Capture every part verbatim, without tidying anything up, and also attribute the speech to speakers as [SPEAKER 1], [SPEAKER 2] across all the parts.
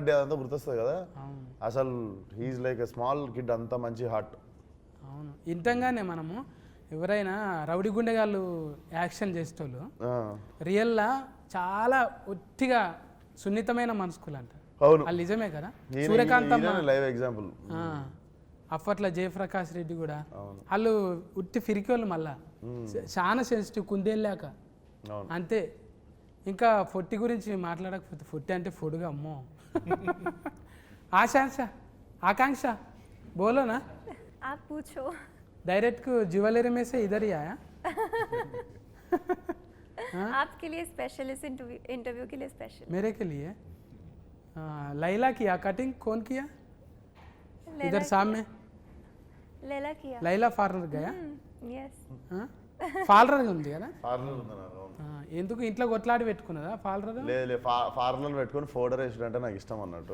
[SPEAKER 1] రంగారెడ్డి అదంతా గుర్తొస్తుంది కదా, అసలు he's like a small kid, అంత మంచి హార్ట్.
[SPEAKER 2] అవును, ఇంతంగానే మనము ఎవరైనా రౌడీ గుండెగాళ్ళు యాక్షన్ చేసేటోళ్ళు రియల్లా చాలా ఒట్టిగా సున్నితమైన మనసుకులు అంట.
[SPEAKER 1] అవును,
[SPEAKER 2] వాళ్ళు నిజమే కదా. Suryakanthamma
[SPEAKER 1] live example.
[SPEAKER 2] అప్పట్లో జయప్రకాష్ రెడ్డి కూడా వాళ్ళు ఉట్టి ఫిరికోళ్ళు, మళ్ళా చాలా సెన్సిటివ్, కుందేళ్ళాక అంతే. ఇంకా ఫొట్టి గురించి మాట్లాడకపోతే, ఫొట్టి అంటే ఫుడ్గా అమ్మో. ఆశాంక్ష ఆకాంక్ష బోలో నా
[SPEAKER 3] आप पूछो.
[SPEAKER 2] डायरेक्ट को ज्वेलरी में से इधर ही आया.
[SPEAKER 3] आपके लिए स्पेशल, इस इंटरव्यू के लिए स्पेशल.
[SPEAKER 2] मेरे के लिए लैला किया कटिंग, कौन किया इधर सामने?
[SPEAKER 3] लैला किया.
[SPEAKER 2] लैला पार्लर गया.
[SPEAKER 3] यस.
[SPEAKER 2] పార్లర్ ఉంది కదా,
[SPEAKER 1] పార్లర్ ఉందన్నా.
[SPEAKER 2] ఎందుకు ఇంట్లో కొట్లాడి పెట్టుకున్నదా పార్లర్?
[SPEAKER 1] లేదు, పార్లర్ పెట్టుకుని ఫోటో వేసుడు అంటే నాకు ఇష్టం అన్నట్టు.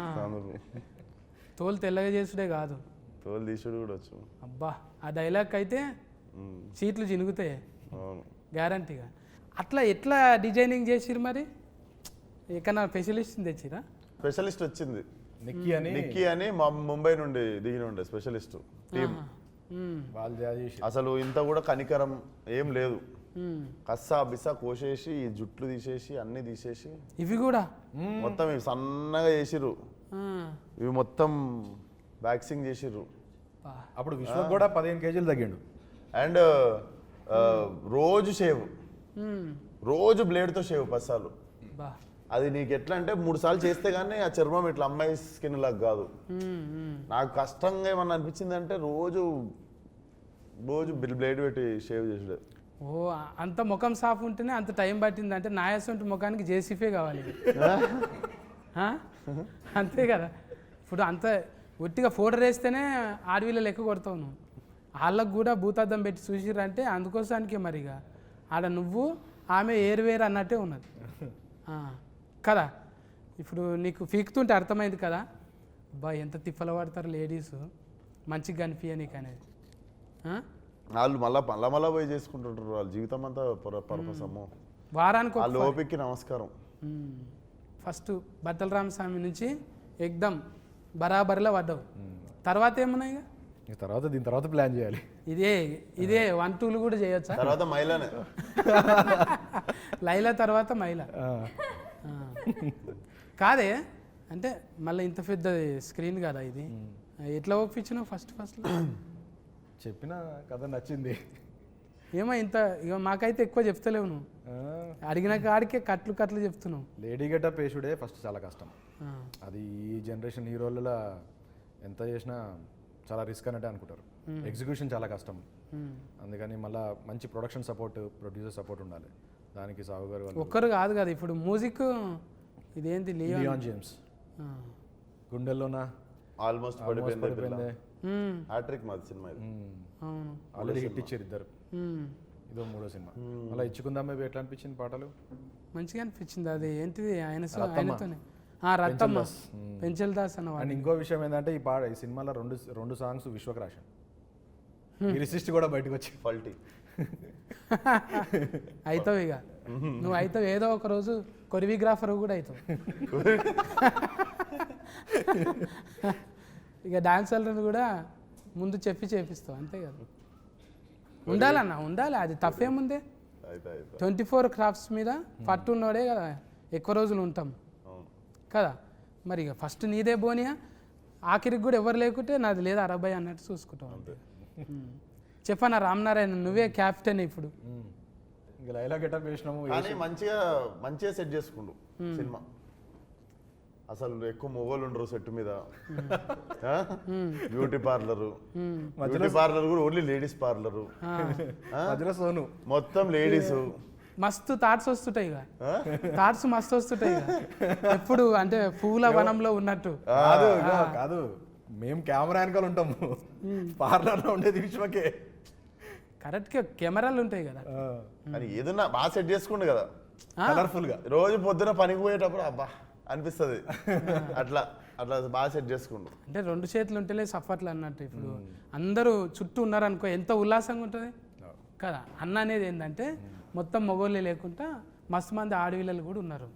[SPEAKER 2] తోలు తెల్లగా చేసుడే కాదు,
[SPEAKER 1] తోలు తీసుడు కూడా వచ్చు.
[SPEAKER 2] అబ్బా, ఆ డైలాగ్ అయితే సీట్లు చినుగుతాయి గ్యారంటీగా. అట్లా ఎట్లా డిజైనింగ్ చేసిరు మరి? ఎక్కడన్నా స్పెషలిస్ట్ తెచ్చిరా?
[SPEAKER 1] స్పెషలిస్ట్ వచ్చింది,
[SPEAKER 4] నిక్కీ అని.
[SPEAKER 1] నిక్కీ అని ముంబై నుండి దిగిన ఉండే స్పెషలిస్ట్ టీం. అసలు ఇంత కూడా కనికరం ఏం లేదు, కస్సా బిస్సా కోసేసి ఈ జుట్లు తీసేసి అన్ని తీసేసి
[SPEAKER 2] ఇవి కూడా
[SPEAKER 1] మొత్తం ఇవి సన్నగా చేసిర్రు, ఇవి మొత్తం వ్యాక్సింగ్ చేసిర్రు.
[SPEAKER 4] అప్పుడు విశ్వ కూడా పదిహేను కేజీలు తగ్గిండు.
[SPEAKER 1] అండ్ రోజు షేవ్, రోజు బ్లేడ్తో షేవ్ పస్సాలు. అది నీకు ఎట్లా అంటే మూడు సార్లు చేస్తే కానీ ఆ చర్మం ఇట్లా అమ్మాయి స్కిన్ లాగా కాదు. నాకు కష్టంగా ఏమన్నా అనిపించింది అంటే రోజు రోజు బ్లేడ్ పెట్టి షేవ్ చేసాడు.
[SPEAKER 2] ఓ, అంత ముఖం సాఫ్ ఉంటేనే అంత టైం పట్టింది అంటే నాయసంటి ముఖానికి జేసీఫే కావాలి. అంతే కదా. ఇప్పుడు అంత ఒట్టిగా ఫోటో వేస్తేనే ఆడవిలో లెక్క కొడతావు నువ్వు. వాళ్ళకు కూడా భూతార్థం పెట్టి చూసిరంటే అందుకోసానికే మరిగా ఆడ నువ్వు ఆమె ఏరువేరు అన్నట్టే ఉన్నది కదా. ఇప్పుడు నీకు పీకుతుంటే అర్థమైంది కదా, బా ఎంత తిప్పలు పడతారు లేడీస్ మంచిగా కనిపించ నీకు అనేది.
[SPEAKER 1] వాళ్ళు మళ్ళా మళ్ళా మళ్ళా పోయి చేసుకుంటుంటారు, వాళ్ళ జీవితం అంతా పర్పస్. అమ్మో,
[SPEAKER 2] వారానికి
[SPEAKER 1] వాళ్ళ ఓపికకి నమస్కారం.
[SPEAKER 2] ఫస్ట్ బట్టల రామస్వామి నుంచి ఎగ్దమ్ బరాబరిలో పడ్డావు. తర్వాత ఏమన్నాయి
[SPEAKER 4] తర్వాత? దీని తర్వాత ప్లాన్ చేయాలి.
[SPEAKER 2] ఇదే ఇదే వన్ టూలు కూడా చేయొచ్చా?
[SPEAKER 1] తర్వాత మైలానే,
[SPEAKER 2] లైలా తర్వాత మైలా కాదే. అంటే మళ్ళీ ఇంత పెద్ద స్క్రీన్ కదా ఇది, ఎట్లా ఒప్పించినావు ఫస్ట్ ఫస్ట్?
[SPEAKER 4] చెప్పిన కథ నచ్చింది.
[SPEAKER 2] ఏమో ఇంత ఇక మాకైతే ఎక్కువ చెప్తలేవు నువ్వు, అడిగిన కాడికే కట్లు కట్లు చెప్తున్నావు.
[SPEAKER 4] లేడీ గెటప్ వేసుడే ఫస్ట్ చాలా కష్టం. అది ఈ జనరేషన్ హీరోలలో ఎంత చేసినా చాలా రిస్క్ అన్నట్టే అనుకుంటారు. ఎగ్జిక్యూషన్ చాలా కష్టం. అందుకని మళ్ళీ మంచి ప్రొడక్షన్ సపోర్ట్, ప్రొడ్యూసర్ సపోర్ట్ ఉండాలి. దానికి సాగు గారు
[SPEAKER 2] ఒక్కరు కాదు కదా. ఇప్పుడు మ్యూజిక్ ఇదేంటి,
[SPEAKER 4] లియాన్ జేమ్స్ గుండెల్లోనా
[SPEAKER 1] ఆల్మోస్ట్ పడిపోయింది. హ్యాట్రిక్ మాది సినిమా ఇది.
[SPEAKER 4] ఆల్రెడీ హిట్ ఇచ్చారు ఇద్దరు. ఇదో మూడో సినిమా. అలా ఇచ్చుకుందాం మేబీ ఎట్లా అనిపించింది? పాటలు
[SPEAKER 2] మంచిగా అనిపించింది. అది ఏంటిది ఆయన ఆయనతోనే రత్తమ్మ పెంచల్ దాస్ అన్న.
[SPEAKER 4] అండ్ ఇంకో విషయం ఏంటంటే ఈ పాట ఈ సినిమాలో రెండు రెండు సాంగ్స్ విశ్వక్ రాశాను. లిరిసిస్ట్ కూడా బయటకు వచ్చి
[SPEAKER 1] ఫల్టీ
[SPEAKER 2] అవుతావు ఇక నువ్వు అవుతావు. ఏదో ఒక రోజు కొరియోగ్రాఫర్ కూడా అవుతావు. ఇక డాన్సర్లను కూడా ముందు చెప్పి చేపిస్తావు, అంతే కదా. ఉండాలన్న, ఉండాలి. అది తప్పేముందే. ట్వంటీ ఫోర్ క్రాఫ్ట్స్ మీద పట్టున్నోడే కదా ఎక్కువ రోజులు ఉంటాం కదా. మరి ఇక ఫస్ట్ నీదే బోనియా, ఆఖరికి కూడా ఎవరు లేకుంటే నాది లేదా అరవై అన్నట్టు చూసుకుంటాం అంతే. చెప్పనా రామనారాయణ, నువ్వే క్యాప్టెన్ ఇప్పుడు.
[SPEAKER 4] ఇంకా లైలా గెటప్ వేసినాము
[SPEAKER 1] కానీ మంచిగా మంచిగా సెట్ చేసుకుండు సినిమా. అసలు ఎక్కువ మొగోళ్ళు ఉండరు సెట్ మీద. బ్యూటీ పార్లర్, బ్యూటీ పార్లర్ కూడా ఓన్లీ లేడీస్ పార్లర్,
[SPEAKER 4] సోను
[SPEAKER 1] మొత్తం లేడీస్.
[SPEAKER 2] మస్తు థాట్స్ వస్తుంటాయి ఇక, థాట్స్ మస్తు వస్తుంటాయి ఇక. ఎప్పుడు అంటే పూల వనంలో ఉన్నట్టు
[SPEAKER 4] కాదు కాదు మేము కెమెరా వెనకాల ఉంటాము, పార్లర్లో ఉండేది విశ్వకే.
[SPEAKER 2] కరెక్ట్గా కెమెరాలు ఉంటాయి కదా.
[SPEAKER 1] కానీ ఏదన్నా బాగా సెట్ చేసుకుండు కదా
[SPEAKER 4] కలర్ఫుల్ గా.
[SPEAKER 1] రోజు పొద్దున పనికి పోయేటప్పుడు అబ్బా అనిపిస్తుంది. అట్లా అట్లా బాగా సెట్ చేసుకుండు.
[SPEAKER 2] అంటే రెండు చేతులు ఉంటేలే సఫర్లు అన్నట్టు. ఇప్పుడు అందరూ చుట్టూ ఉన్నారనుకో ఎంత ఉల్లాసంగా ఉంటుంది కదా. అన్న అనేది ఏంటంటే మొత్తం మొగోళ్ళే లేకుండా మస్తు మంది ఆడవిల్లలు కూడా ఉన్నారు.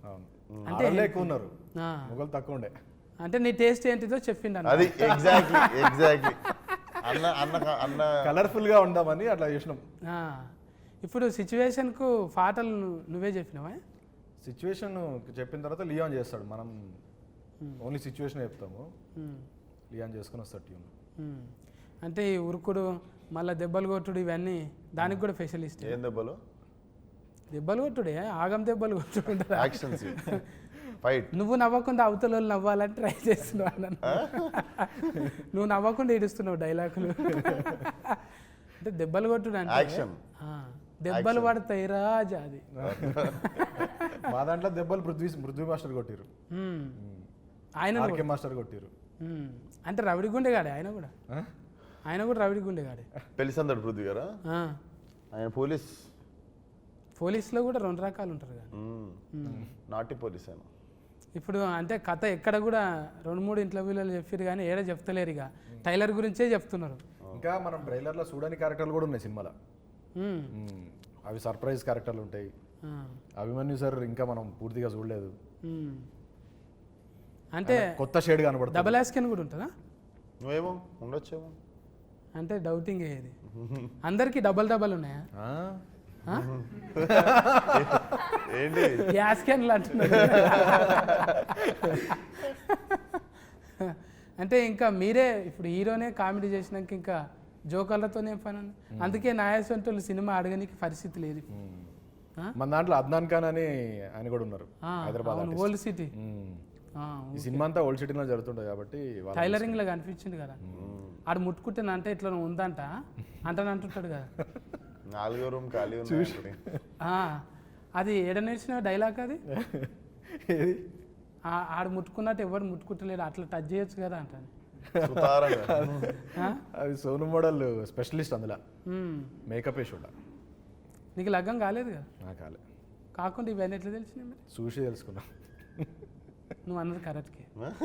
[SPEAKER 2] అంటే
[SPEAKER 4] ఆడలే ఎక్కువ ఉన్నారు,
[SPEAKER 2] ఆ,
[SPEAKER 4] మొగలు తక్కువ ఉండే.
[SPEAKER 2] అంటే నీ టేస్ట్ ఏంటిదో చెప్పిండు అన్న.
[SPEAKER 1] అది ఎగ్జాక్ట్లీ ఎగ్జాక్ట్లీ అన్న అన్న అన్న
[SPEAKER 4] కలర్ఫుల్ గా ఉందామని అట్లా చేసినాం.
[SPEAKER 2] ఆ, ఇప్పుడు సిచ్యువేషన్కు పాటలు ను- నువ్వే చెప్పినావా?
[SPEAKER 4] సిచ్యువేషన్ చెప్పిన తర్వాత లియాన్ చేస్తాడు, మనం ఓన్లీ సిచ్యువేషన్ చెప్తాము,
[SPEAKER 2] ఉమ్,
[SPEAKER 4] లియాన్ చేసుకుని వస్తాడు ట్యూన్.
[SPEAKER 2] ఉమ్. అంటే ఈ ఉరుకుడు మళ్ళీ దెబ్బలు కొట్టుడు ఇవన్నీ దానికి కూడా స్పెషలిస్ట్.
[SPEAKER 1] ఏం దెబ్బలు
[SPEAKER 2] దెబ్బలు కొట్టుడే ఆగం దెబ్బలు కొట్టుడు
[SPEAKER 1] యాక్షన్ ఫైట్
[SPEAKER 2] నువ్వు నవ్వకుండా అవతల వాళ్ళు నవ్వాలని ట్రై చేస్తున్నావు అన్న. నువ్వు నవ్వకుండా ఏడుస్తున్నావు డైలాగులు. అంటే దెబ్బలు కొట్టుడు అంటే
[SPEAKER 1] యాక్షన్
[SPEAKER 2] ఆ, దెబ్బలు పడతాయి రాజా అది.
[SPEAKER 4] మా దాంట్లో దెబ్బలు పృథ్వీ పృథ్వీ మాస్టర్ కొట్టిరు,
[SPEAKER 2] ఉమ్. ఆయన
[SPEAKER 4] ఆర్కే మాస్టర్ కొట్టిరు.
[SPEAKER 2] ఉమ్. అంటే రవిడి గుండెగాడే ఆయన కూడా,
[SPEAKER 4] ఆ?
[SPEAKER 2] ఆయన కూడా రవిడి గుండెగాడే.
[SPEAKER 1] పెళ్లి సందడి పృథ్వీ గారా,
[SPEAKER 2] ఆ,
[SPEAKER 1] ఆయన పోలీస్,
[SPEAKER 2] పోలీసులో కూడా రెండు రకాలు ఉంటారు కదా.
[SPEAKER 1] నాటి పోలీస్ ఆయన.
[SPEAKER 2] ఇప్పుడు అంటే కథ ఎక్కడ కూడా రెండు మూడు ఇంటర్వ్యూలలో చెప్పారు కానీ ఏడ చెప్తలేరు, ఇక టైలర్ గురించే చెప్తున్నారు.
[SPEAKER 4] ఇంకా మనం ట్రైలర్లో చూడని క్యారెక్టర్లు కూడా ఉన్నాయి సినిమాలో.
[SPEAKER 2] ఉమ్.
[SPEAKER 4] మ్మ్. అవి సర్ప్రైజ్ క్యారెక్టర్లు ఉంటాయి.
[SPEAKER 2] ఆ,
[SPEAKER 4] అభిమన్యు సార్ ఇంకా మనం పూర్తిగా చూడలేదు,
[SPEAKER 2] ఉమ్. అంటే
[SPEAKER 4] కొత్త షేడ్ కనబడుతుంది.
[SPEAKER 2] డబల్ యాస్కెన్ కూడా ఉంటుందా?
[SPEAKER 1] నువ్వేమో ఉండొచ్చేమో.
[SPEAKER 2] అంటే డౌటింగ్ ఏది, అందరికీ డబల్ డబల్ ఉన్నాయా?
[SPEAKER 4] ఆ?
[SPEAKER 2] ఆ?
[SPEAKER 1] ఏంటి
[SPEAKER 2] యాస్కెన్లు అంటున్నారు. అంటే ఇంకా మీరే ఇప్పుడు హీరోనే కామెడీ చేసినాక ఇంకా జోకర్లతోనే పని ఉంది. అందుకే నాయసంటోళ్ళు సినిమా అడగనికి పరిస్థితి లేదు. ఆ?
[SPEAKER 4] మన దాంట్లో అద్నాన్ ఖాన్ అని ఆయన కూడా ఉన్నారు,
[SPEAKER 2] ఆ,
[SPEAKER 4] హైదరాబాద్
[SPEAKER 2] అవును,
[SPEAKER 4] artist.
[SPEAKER 2] Old city.
[SPEAKER 4] మ్మ్.
[SPEAKER 2] ఆ,
[SPEAKER 4] ఈ సినిమా అంతా ఓల్డ్ సిటీలో జరుగుతుంటుంది కాబట్టి వాళ్ళ-
[SPEAKER 2] టైలరింగ్ లో కనిపించింది కదా, ఆడు ముట్టుకుంటున్నా అంటే ఇట్లా ఉందంట అంటని అంటుంటాడు కదా.
[SPEAKER 1] నాలుగో రూమ్ ఖాళీ ఉంది.
[SPEAKER 2] ఆ, అది ఏడ నేర్చిన డైలాగ్ అది.
[SPEAKER 4] ఏది?
[SPEAKER 2] ఆ- ఆడు ముట్టుకున్నట్టు ఎవరు ముట్టుకుంటలేడు, అట్లా టచ్ చేయొచ్చు కదా అంటాను.
[SPEAKER 1] సుతారంగా.
[SPEAKER 2] ఆ?
[SPEAKER 4] అది సోను మోడల్ స్పెషలిస్ట్ అందులో,
[SPEAKER 2] ఉమ్.
[SPEAKER 4] మేకప్ వేసుడా.
[SPEAKER 2] నీకు లగ్గం కాలేదు కదా,
[SPEAKER 4] నాకు కాలే,
[SPEAKER 2] కాకుండా ఇవన్నీ ఎట్లా తెలిసినాయి మరి?
[SPEAKER 4] చూసి తెలుసుకున్నా.
[SPEAKER 2] నువ్వు అన్నది కరెక్ట్కే.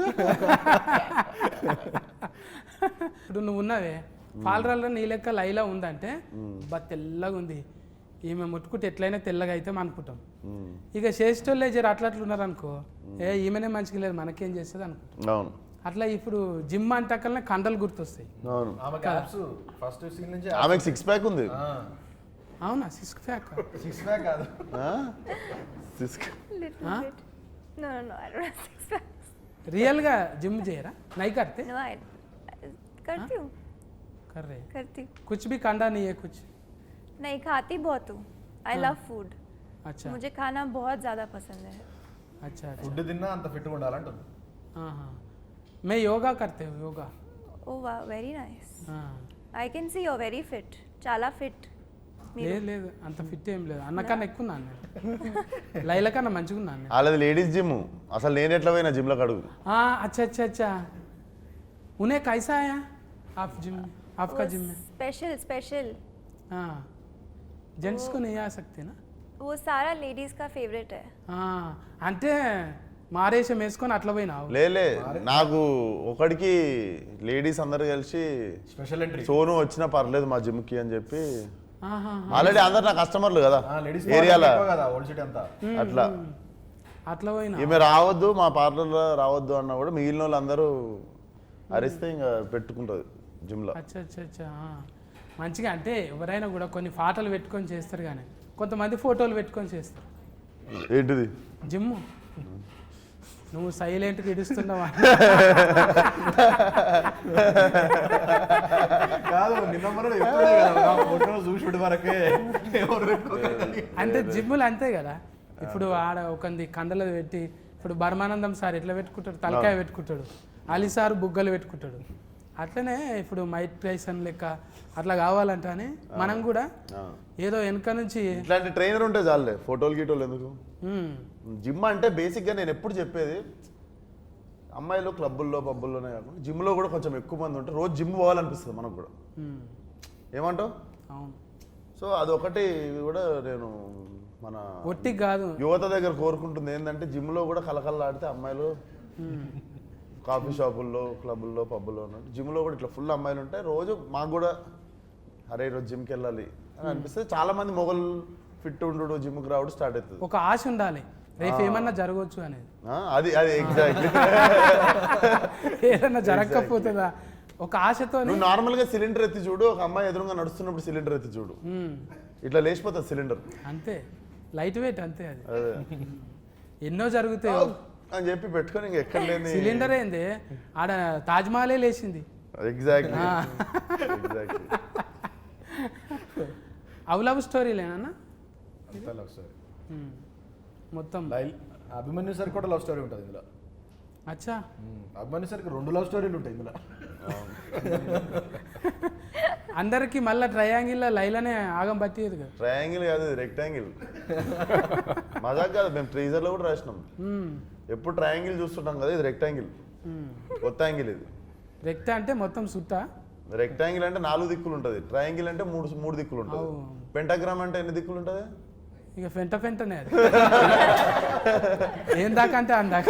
[SPEAKER 2] ఇప్పుడు నువ్వు ఉన్నావే పాలరాల్లో నీ లెక్క లైలా ఉందంటే బా తెల్లగా ఉంది, ఈమె ముట్టుకుంటే ఎట్లయినా తెల్లగా అయితే అనుకుంటాం. ఇక చేసేటోళ్ళే జర అట్లా అట్లా ఉన్నారు అనుకో, ఏ ఈమెనే మంచిగా లేదు మనకేం చేస్తుంది అనుకుంటాం.
[SPEAKER 1] అవును
[SPEAKER 2] అట్లా ఇప్పుడు జిమ్ అంటకల్నే కండలు గుర్తొస్తాయి.
[SPEAKER 1] అవును.
[SPEAKER 4] ఆమె క్యాప్స్ ఫస్ట్ సీన్ నుంచి
[SPEAKER 1] ఆమెకు సిక్స్ ప్యాక్ ఉంది.
[SPEAKER 2] అవునా? Six pack?
[SPEAKER 4] సిక్స్ ప్యాక్ కాదు,
[SPEAKER 1] six
[SPEAKER 3] Little
[SPEAKER 2] Huh?
[SPEAKER 3] bit. No, no, no. I don't have six packs.
[SPEAKER 2] రియల్గా జిమ్ చేయరా? నై కర్తే
[SPEAKER 3] No, I करती हूँ
[SPEAKER 2] కర్రే
[SPEAKER 3] करती हूँ
[SPEAKER 2] कुछ भी कंडा नहीं है कुछ.
[SPEAKER 3] नहीं खाती बहुत हूँ. आई
[SPEAKER 2] हाँ.
[SPEAKER 3] Love food.
[SPEAKER 2] अच्छा
[SPEAKER 3] मुझे खाना बहुत ज़्यादा पसंद है.
[SPEAKER 2] अच्छा अच्छा.
[SPEAKER 4] ఫుడ్ తిన్నా అంత ఫిట్గా ఉండాలంటుంది.
[SPEAKER 2] हाँ हाँ मैं योगा करते हूँ yoga.
[SPEAKER 3] Oh wow, very nice.
[SPEAKER 2] हाँ.
[SPEAKER 3] I can see you're very fit. చాలా fit.
[SPEAKER 2] లేదు లేదు అంత ఫిట్ ఏం లేదు, అన్నకన్నా ఎక్కువ ఉన్నాను నేను, లైల కన్నా మంచిగా ఉన్నాను నేను.
[SPEAKER 1] వాళ్ళది లేడీస్ జిమ్. అసలు నేను ఎట్లా పోయినా జిమ్ లో అడుగు.
[SPEAKER 2] हाँ अच्छा अच्छा अच्छा. उन्हें कैसा आया आप जिम में, आपका जिम में?
[SPEAKER 3] Special special.
[SPEAKER 2] हाँ जेंट्स को नहीं आ सकते ना.
[SPEAKER 3] वो सारा लेडीज का फेवरेट है.
[SPEAKER 2] हाँ అంటే మారేషం వేసుకొని అట్లా పోయినావు.
[SPEAKER 1] లేలే నాకు ఒకడికి లేడీస్ అందరు కలిసి
[SPEAKER 4] స్పెషల్ ఎంట్రీ.
[SPEAKER 1] సోను వచ్చినా పర్లేదు మా జిమ్ కి అని చెప్పి,
[SPEAKER 2] ఆహా.
[SPEAKER 1] ఆల్రెడీ అందరు నా కస్టమర్లు కదా
[SPEAKER 4] లేడీస్
[SPEAKER 1] ఏరియాలో
[SPEAKER 4] కదా ఓల్డ్ సిటీ అంతా.
[SPEAKER 1] అట్లా.
[SPEAKER 2] అట్లా పోయినా
[SPEAKER 1] ఈమె రావద్దు మా పార్లర్లో రావద్దు అన్నా కూడా మిగిలిన వాళ్ళు అందరూ అరిస్తే ఇంకా పెట్టుకుంటుంది జిమ్లో.
[SPEAKER 2] అచ్చా అచ్చా అచ్చా. ఆ. మంచిగా అంటే ఎవరైనా కూడా కొన్ని ఫోటోలు పెట్టుకొని చేస్తారు, కానీ కొంతమంది ఫోటోలు పెట్టుకొని చేస్తారు.
[SPEAKER 1] ఏంటిది
[SPEAKER 2] జిమ్ నువ్వు సైలెంట్గా ఇడుస్తున్నావా?
[SPEAKER 4] కాదు నిన్న మొన్న చెప్తుండే కదా, నా ఫోటో చూసుడు వరకే ఎవరు పెట్టుకోకండి.
[SPEAKER 2] అంటే జిమ్ములు అంతే కదా. ఇప్పుడు ఆడ ఒకంది కండలు పెట్టి, ఇప్పుడు బర్మానందం సార్ ఎట్లా పెట్టుకుంటాడు, తలకాయ పెట్టుకుంటాడు, అలీ సార్ బుగ్గలు పెట్టుకుంటాడు. అట్లనే ఇప్పుడు మైక్ టైసన్ లెక్క అట్లా కావాలంట అని మనం కూడా ఏదో వెనక నుంచి
[SPEAKER 1] ఇట్లాంటి ట్రైనర్ ఉంటే చాలే ఫోటోలు గీటోలు ఎందుకు.
[SPEAKER 2] ఉమ్,
[SPEAKER 1] జిమ్ అంటే బేసిక్గా నేను ఎప్పుడు చెప్పేది, అమ్మాయిలు క్లబ్బుల్లో పబ్బుల్లోనే కాకుండా జిమ్లో కూడా కొంచెం ఎక్కువ మంది ఉంటే రోజు జిమ్ పోవాలనిపిస్తుంది మనకు కూడా.
[SPEAKER 2] ఉమ్,
[SPEAKER 1] ఏమంటావు?
[SPEAKER 2] అవును.
[SPEAKER 1] సో అదొకటి కూడా నేను మన
[SPEAKER 2] ఒట్టి కాదు.
[SPEAKER 1] యువత దగ్గర కోరుకుంటుంది ఏంటంటే జిమ్లో కూడా కలకల్లాడితే అమ్మాయిలు కాఫీ షాపుల్లో క్లబ్బుల్లో పబ్బుల్లో ఉన్నట్టు జిమ్లో కూడా ఇట్లా ఫుల్ అమ్మాయిలు ఉంటాయి. రోజు మాకు కూడా అరే ఈరోజు జిమ్కి వెళ్ళాలి అని అనిపిస్తే చాలా మంది మొగలు ఫిట్ ఉండు జిమ్కి రావడం స్టార్ట్ అవుతుంది.
[SPEAKER 2] ఒక ఆశ ఉండాలి, రేపు ఏమన్నా జరగవచ్చు అనేది.
[SPEAKER 1] ఆ, అది అది ఎగ్జాక్ట్లీ.
[SPEAKER 2] ఏదన్నా జరగకపోతుందా ఒక ఆశతో.
[SPEAKER 1] నువ్వు నార్మల్ గా సిలిండర్ ఎత్తి చూడు, ఒక అమ్మాయి ఎదురుగా నడుస్తున్నప్పుడు సిలిండర్ ఎత్తి చూడు, ఇట్లా లేచిపోతుంది సిలిండర్.
[SPEAKER 2] అంతే, లైట్ వెయిట్ అంతే అది.
[SPEAKER 1] అదే
[SPEAKER 2] ఎన్నో జరుగుతాయి
[SPEAKER 1] అని చెప్పి పెట్టుకొని ఇంక ఎక్కడ లేని
[SPEAKER 2] సిలిండర్ ఏంది ఆడ తాజ్మహలే లేచింది.
[SPEAKER 1] Exactly exactly.
[SPEAKER 2] అవి లవ్ స్టోరీలేనా
[SPEAKER 4] లవ్ స్టోరీ
[SPEAKER 2] మొత్తం?
[SPEAKER 4] అభిమన్యు సార్ కూడా లవ్ స్టోరీ ఉంటుంది ఇందులో.
[SPEAKER 2] అచ్చా,
[SPEAKER 4] అభిమన్యు సార్కి రెండు లవ్ స్టోరీలు ఉంటాయి ఇందులో.
[SPEAKER 2] అందరికి మళ్ళీ ట్రయాంగిల్ లైలానే ఆగం పట్టేది కదా.
[SPEAKER 1] ట్రయాంగిల్ కాదు, రెక్టాంగిల్. మజాక్ కాదు, మేము ట్రీజర్ లో కూడా రాసినాం. ఎప్పుడు ట్రయాంగిల్ చూస్తుంటాం కదా, ఇది రెక్టాంగిల్, కొత్త యాంగిల్ ఇది.
[SPEAKER 2] రెక్ట అంటే మొత్తం సుట్టా,
[SPEAKER 1] రెక్టాంగిల్ అంటే నాలుగు దిక్కులు ఉంటుంది, ట్రయాంగిల్ అంటే మూడు మూడు దిక్కులు ఉంటుంది, పెంటాగ్రామ్ అంటే ఎన్ని దిక్కులు ఉంటుంది?
[SPEAKER 2] ఇక ఫెంట ఫెంటనే అది. ఏం దాకా అంటే అందాక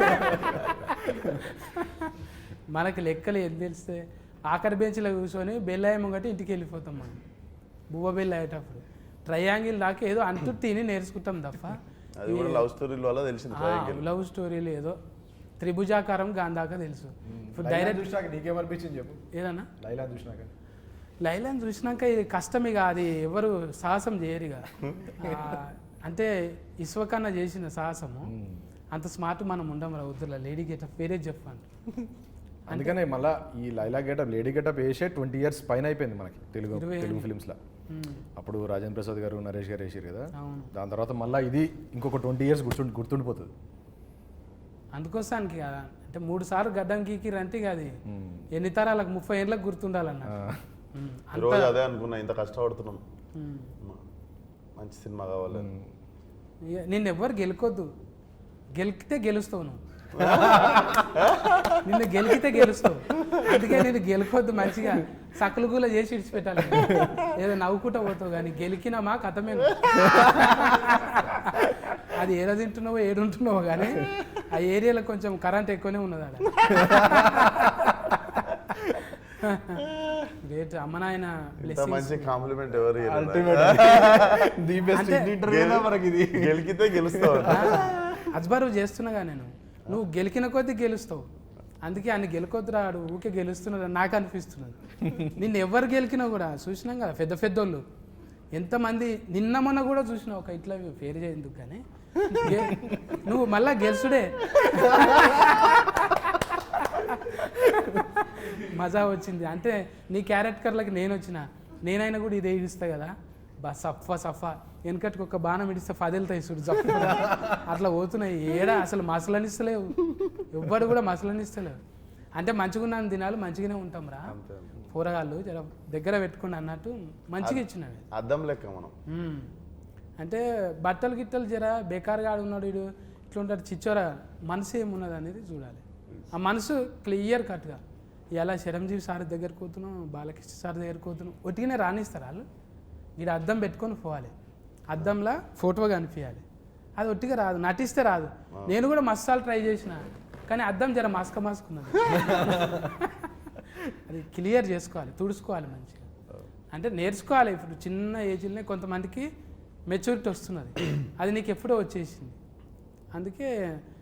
[SPEAKER 2] మనకి లెక్కలు ఏం తెలిస్తే ఆఖరి బెంచ్లో కూర్చొని బెల్ అయ్యమంగట్టి ఇంటికి వెళ్ళిపోతాం మనం బువ్వ బెల్ అయ్యేటప్పుడు. ట్రయాంగిల్ దాకా ఏదో అంటూ తిని నేర్చుకుంటాం తప్ప
[SPEAKER 1] అది కూడా లవ్ స్టోరీల వల్ల తెలిసింది. ట్రయాంగిల్
[SPEAKER 2] లవ్ స్టోరీలు ఏదో త్రిభుజాకారం గాంధాక తెలుసు. ఇప్పుడు డైరెక్ట్
[SPEAKER 4] చూసినాక నీకేమనిపించింది చెప్పు.
[SPEAKER 2] ఏదన్నా
[SPEAKER 4] లైలా చూసినాక?
[SPEAKER 2] లైలాని చూసినాక ఇది కష్టం, ఇక అది ఎవరు సాహసం చేయరు ఇక. అంటే ఇస్వకన్నా చేసిన సాహసము అంత స్మార్ట్ మనం ఉండం రా వద్దులా. లేడీ గెటప్ వేరే చెప్పండి.
[SPEAKER 4] అందుకనే మళ్ళీ ఈ లైలా గెటప్ లేడీ గెటప్ వేసే ట్వంటీ ఇయర్స్ పైన అయిపోయింది మనకి తెలుగు తెలుగు ఫిలిమ్స్లో. అప్పుడు రాజేంద్ర ప్రసాద్ గారు నరేష్ గారు వేసారు కదా, దాని తర్వాత మళ్ళీ ఇది ఇంకొక ట్వంటీ ఇయర్స్ గుర్తు గుర్తుండిపోతుంది.
[SPEAKER 2] అందుకోసానికి కదా అంటే మూడు సార్లు గడ్డం గీకిరంటే ఇక అది ఎన్ని తరాలకు ముప్పై ఏళ్ళకి గుర్తుండాలన్న.
[SPEAKER 1] రోజు అదే అనుకున్నా, ఇంత కష్టపడుతున్నాం, మంచి సినిమా కావాలి.
[SPEAKER 2] నిన్ను ఎవ్వరు గెలుకొద్దు, గెలికితే గెలుస్తావు నువ్వు. నిన్ను గెలికితే గెలుస్తావు, అందుకే నేను గెలుకొద్దు. మంచిగా సకలు గూల చేసి ఇడిచిపెట్టాలి, ఏదో నవ్వుకుంటా పోతావు. కానీ గెలికినామా కథమే. అది ఏడ తింటున్నావో ఏడుంటున్నావో కానీ ఆ ఏరియాలో కొంచెం కరెంట్ ఎక్కువనే ఉన్నది ఆడ. గ్రేట్ అమ్మ నాయన
[SPEAKER 1] మంచి కాంప్లిమెంట్ ఎవరు గెలికితే గెలుస్తావు.
[SPEAKER 2] అజ్బరు చేస్తున్నాగా నేను, నువ్వు గెలికిన కొద్దీ గెలుస్తావు. అందుకే ఆయన గెలుకొద్దు రాడు, ఊకే గెలుస్తున్నది నాకు అనిపిస్తున్నది. నిన్ను ఎవరు గెలికినా కూడా చూసినాం కదా, పెద్ద పెద్దోళ్ళు ఎంతమంది. నిన్న మొన్న కూడా చూసినావు ఒక ఇట్లా పేరు చేయందుకు, కానీ నువ్వు మళ్ళా గెలుసుడే. మజా వచ్చింది అంటే నీ క్యారెక్టర్లకి నేను వచ్చిన, నేనైనా కూడా ఇదే ఇడిస్తా కదా, బా సఫా సఫా వెనకటికి ఒక బాణం ఇడిస్తే ఫదిలుతాయి చూడు జప్పు, అట్లా పోతున్నాయి. ఏడా అసలు మసలనిస్తలేవు, ఎవ్వరు కూడా మసలనిస్తలేవు. అంటే మంచిగున్నాను దినాలు మంచిగానే ఉంటాం రా, కూరగాయలు జర దగ్గర పెట్టుకుని అన్నట్టు మంచిగా ఇచ్చినవి.
[SPEAKER 1] అద్దం లెక్క మనం.
[SPEAKER 2] అంటే బట్టలు గిట్టలు జర బేకారుగా ఆడున్నాడు వీడు ఇట్లా ఉంటాడు చిచ్చోరా, మనసు ఏమున్నది అనేది చూడాలి. ఆ మనసు క్లియర్ కట్గా ఇలా చిరంజీవి సార్ దగ్గరికి పోతున్నాం, బాలకృష్ణ సార్ దగ్గరికి పోతున్నాం, ఒట్టిగానే రాణిస్తారు వాళ్ళు. వీడు అద్దం పెట్టుకొని పోవాలి, అద్దంలో ఫోటో కనిపించాలి. అది ఒట్టిగా రాదు, నటిస్తే రాదు. నేను కూడా మసాలు ట్రై చేసిన, కానీ అద్దం జర మస్క మస్కున్నది. అది క్లియర్ చేసుకోవాలి, తుడుచుకోవాలి మంచిగా. అంటే నేర్చుకోవాలి. ఇప్పుడు చిన్న ఏజ్లోనే కొంతమందికి మెచ్యూరిటీ వస్తున్నది, అది నీకు ఎప్పుడో వచ్చేసింది. అందుకే